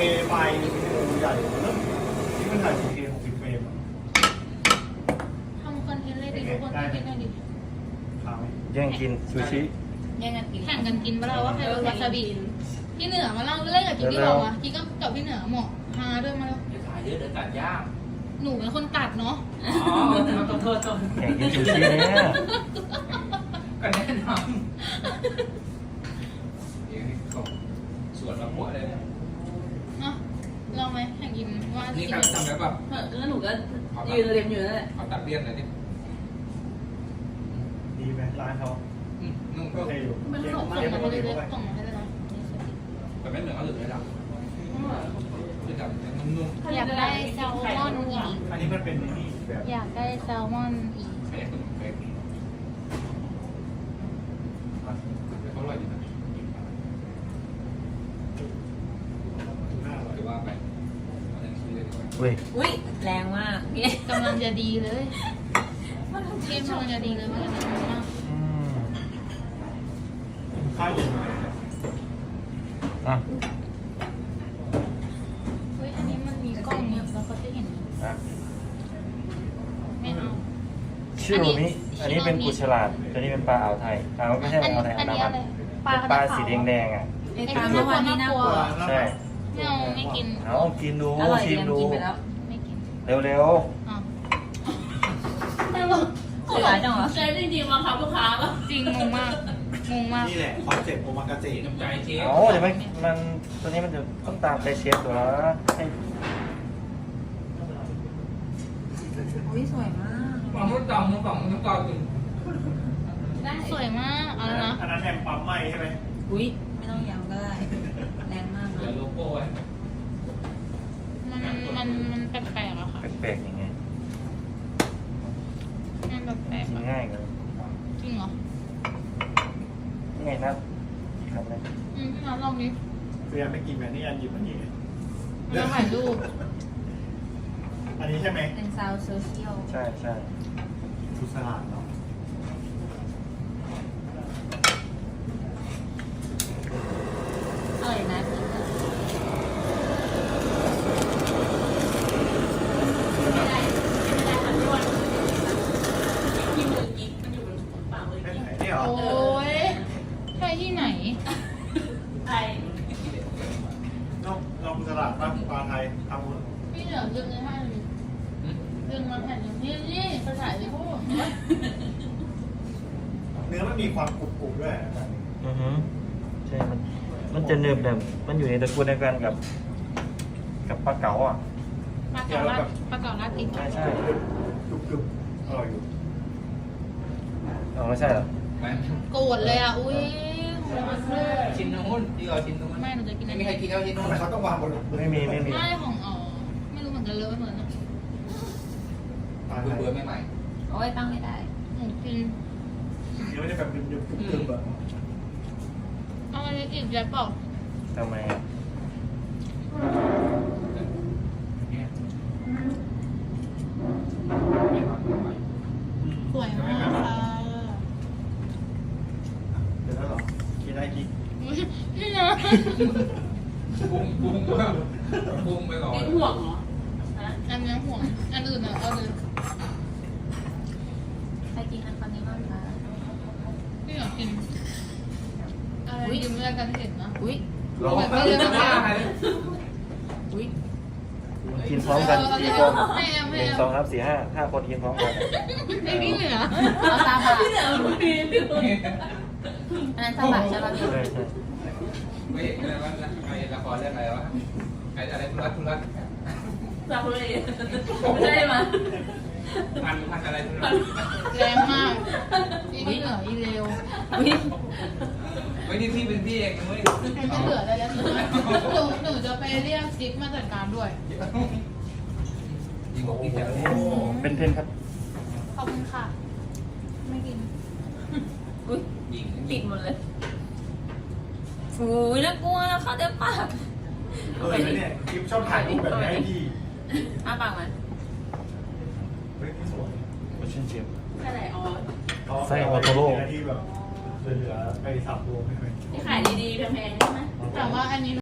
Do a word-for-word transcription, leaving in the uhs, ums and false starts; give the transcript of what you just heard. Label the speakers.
Speaker 1: ไฟใหญ่แล้วที่มันถ่าย โฟร์เค หกสิบเฟรม
Speaker 2: ทำคอนเทนต์เลยดิทุกคนกินได้ดิ
Speaker 1: ขาว
Speaker 3: แย่งกินซูชิ
Speaker 4: แย่งกันกิน
Speaker 2: แข่งกันกินเปล่าว่าใครเป็นวาซาบิพี่เหนือมาเล่าเล่นกับกินที่บอกว่ากินก็กับพี่เหนือเหมาะฮาด้วยมาแล้ว
Speaker 5: อย่าถ่ายเยอะเดี๋ยวตัดยาก
Speaker 2: หนูเป็นคนตัดเนาะ
Speaker 5: อ๋อต้องโทษต้อง
Speaker 3: แข่งกินซูชิเนี่ย
Speaker 5: ก็แน่นอนนี่เขาสวนมาหัวเลยเนี่ย
Speaker 2: เนาะลองไหมแข่งกินว่า
Speaker 5: นี่
Speaker 2: กิน
Speaker 5: ครับทำแล้วแบบ
Speaker 4: แล้วหนูก็ยืนเรียมอยู่นั่นแหละ
Speaker 5: เอาตัดเลี่ยนเลยดิ
Speaker 1: ดีไหมร้านเขา
Speaker 5: อืมนุ่มก็
Speaker 1: โอเคอยู่
Speaker 2: มัน
Speaker 1: เกม
Speaker 2: ส่ง
Speaker 1: เกม
Speaker 2: มา
Speaker 1: ปก
Speaker 2: ให้
Speaker 1: ติ
Speaker 2: เลย
Speaker 1: เข้าไป
Speaker 2: ส่งมาให้เลยนะ
Speaker 5: แต่ไม่เหมือนเขาหรือเลยหรอกคือแบบนุ่ม
Speaker 2: อยากได้แซลมอนอีก
Speaker 1: อันนี้มันเป็นนี่แบบ
Speaker 2: อยากได้แซลมอนอีก
Speaker 5: ๆไม่อยากกินเค้กเขาอร่อยดีนะ
Speaker 1: หน้าอร่อย
Speaker 5: คือว่าไปเอาอย่างนี้เลยดีกว่า
Speaker 3: เว้ย
Speaker 4: อุ้ยแรงมากพี่
Speaker 2: กำลังจะดีเลยเกมกำลังจะดีเลยมันจะดีมาก
Speaker 3: อืม
Speaker 1: ข้าวเย็น
Speaker 3: อ่ะ
Speaker 2: เฮ้ยอันนี้มันมีกล้องเนี่ยแล้วเขาจะเห็น
Speaker 3: อ่ะ
Speaker 2: ไม่เอา
Speaker 3: ชิโรมิอันนี้เป็นกุฉลาดตัวนี้เป็นปลาอ่าวไทยอ่าวไม่ใช่ปลาอ่าวไทย
Speaker 2: อั
Speaker 3: อั
Speaker 2: น
Speaker 3: นดา
Speaker 2: นี้
Speaker 3: มั
Speaker 2: อะ
Speaker 3: น
Speaker 2: ไร
Speaker 3: เป็นปลาสีแดงๆอ่ะ
Speaker 4: ไอ้ตามเมื่อวานนี้น่ากลัว
Speaker 3: ใช่
Speaker 2: ไม่เอาไม่กิน
Speaker 3: เอากินดู
Speaker 4: อร่อย
Speaker 3: ชิม
Speaker 4: ยัง
Speaker 3: ดู
Speaker 4: กินไปแล้ว
Speaker 2: ไม่กิน
Speaker 3: เร็ว
Speaker 2: อ่ะ
Speaker 4: เสียดายจังเหรอ
Speaker 6: ใช้จริงๆมาครับลูกค้าป่ะ
Speaker 2: จริงงงมากงงมาก
Speaker 1: นี่แหละคอนเซ็ปต์โอมากาเสะ
Speaker 5: น้ำใจเช
Speaker 3: ๆ
Speaker 5: ฟ
Speaker 3: เอาเดี๋ยวมันมันตัวนี้มันจะต้องตามใจเชฟตัวแล้วให้
Speaker 4: อุ้ยสวยมาก
Speaker 5: มองน้ำตาลน้ำตาลน้ำตาลจริง
Speaker 2: สวยมากเอาแล้วนะ
Speaker 1: อันนั้นแฮมปั๊มไหมใช่ไหม
Speaker 4: อุ้ยไม่ต้องย้ำก็ได้แรงมาก
Speaker 5: เหลือ
Speaker 4: นะ
Speaker 5: โลโก้ไว้
Speaker 2: มันมันมันแปลกๆอะค่ะ
Speaker 3: แปลกๆยังไง
Speaker 2: มันแปลก
Speaker 3: กิ
Speaker 2: ๆ
Speaker 3: น
Speaker 2: อะ
Speaker 3: ง่ายเลย
Speaker 2: จริงเหรอ
Speaker 3: นี่ไงนะครับนะ
Speaker 2: อืมพี่น้องลองดิ
Speaker 1: เพื่อนไม่กินแบบนี้อันหยิบอันนี้
Speaker 2: เราถ่ายรูป
Speaker 1: อันนี้ใช่ไหม
Speaker 4: เป็นซาวโซเชียล
Speaker 3: ใช่ใช่
Speaker 1: ชุดสลัดเนาะ
Speaker 4: อร่อยนะพี่
Speaker 6: ที่มือกิ๊กมันอยู่บนปากเลย
Speaker 1: ไม่
Speaker 6: กิ๊ก
Speaker 1: ไหนนี่เหรอ
Speaker 2: โอ้ยใช่ที่ไหน
Speaker 6: ไอ้
Speaker 1: นอกนอกสลัดปลาปลาไทยทำหมด
Speaker 2: พี่เหลือดึงเลยให้เลยดึงมาแผ่นหนึงนี่นี่ภาษาที่พูด
Speaker 1: เนื้อมันมีความกรุบๆด้วยแบบนี้
Speaker 3: อือฮึใช่มันมันจะเนิบแบบมันอยู่ในตระกูลเดียวกันกับ กับปลาเก๋าอ่ะ
Speaker 2: ปลาเก๋าลาดปลาเก๋าลาดติด
Speaker 3: ใช่ใช่
Speaker 1: กรุบๆอร่อยอยู่
Speaker 3: เอาไม่ใช่เหรอ
Speaker 5: ไหม
Speaker 2: โกรธเลยอ่ะ อุ้ยโหดเลย
Speaker 5: ชิ้นนู้นที่เราชิ้นนู้น
Speaker 2: ไม่หนูจะกินอั
Speaker 5: ไม่
Speaker 2: น
Speaker 5: มี
Speaker 2: นี้
Speaker 5: ใครกินแล้วชิ้นนู้น
Speaker 1: ทำไมเขาต้องวางบน
Speaker 3: ไม่มีไม่มี
Speaker 2: ไม่ของอ๋อไม่รู้เหมือนกันเลยว่าเหมือนนะ
Speaker 1: ปลาไท
Speaker 5: เบื่อย เบื่อใหม่
Speaker 4: โอ้ยตั้งไม่ได้
Speaker 2: หนูกิน
Speaker 1: เดี๋ยวมันจะแบบดึบๆกรึบๆแบบ
Speaker 2: เอาอะไรอีกแล้วบอก
Speaker 3: ทำไมอ่ะ
Speaker 2: สวยมากค่ะ
Speaker 1: เดี๋ยวแล้วเหรอกินได้กิน
Speaker 2: อุ๊ยพี่นะ
Speaker 5: ปุ้งปุ้งปุ้งไปก่อน
Speaker 6: กิ๊กห่วงเหรอฮะ
Speaker 2: อันนี้ห่วงอันอื่นอ่ะเอาเลย
Speaker 4: ใครกินอันตอนนี้บ้างคะ
Speaker 2: พี่อยากกินอะไรกินเมื่อกันเห็นนะ
Speaker 4: อุ้ย
Speaker 5: ร้องไม่เลยนะ
Speaker 4: อุ้ย
Speaker 3: กินพร้อมกันกี่คน
Speaker 2: ไม่เอา
Speaker 3: ห
Speaker 2: ไม่
Speaker 3: นึ่ง
Speaker 2: เอา
Speaker 3: สองสามสี่ห้าห้าคนกินพร้อมกัน
Speaker 2: ไอ้พี่เหนือ
Speaker 4: เอาซาบะ
Speaker 6: พี่เหนือพี่พี่
Speaker 4: อันนั้นซาบะใช่ป่ะพี่
Speaker 3: ใช่ใช่
Speaker 5: ไม่เห็นอะไรวะไอ้ละครเรื่องอะไรวะไอ้อะไรทุรักทุรัก
Speaker 6: ซาบุรีไม่ได้มา
Speaker 5: พันพันอะไรทุรัก
Speaker 2: แรงมากอีพี่เหนืออีเร็ว
Speaker 4: อุ้ย
Speaker 5: ไม่ที่พี่เป็นพี่เองนะเว้ย
Speaker 2: ไม่เหลืออะไรแล้วหนูหนูจะไปเรียกจิ๊กมาจัดการด้วย
Speaker 5: ยิงบอกกินแต่ละ
Speaker 3: โอ้เป็นเพนครับ
Speaker 2: ขอบคุณค่ะ ไม่กิน
Speaker 4: อุ้ย
Speaker 5: ยิง
Speaker 4: ติดหมดเลยอุ้ยน่ากลัวเข้าเต็มปาก
Speaker 1: เออเนี่ยคลิปชอบถ่ายรูปแบบนี้ให้พี่
Speaker 4: อ้าปากมัน
Speaker 1: เฮ้ยสวย
Speaker 3: มาชินเจียม
Speaker 6: แค่ไหนอ๋อ
Speaker 3: ไส้ออโตโร่
Speaker 1: ที่แบบเหลือๆไปสับรวมให้ไหม
Speaker 6: ที่ขายดีๆแพงๆใช่ไหม
Speaker 2: แต่ว่าอันนี้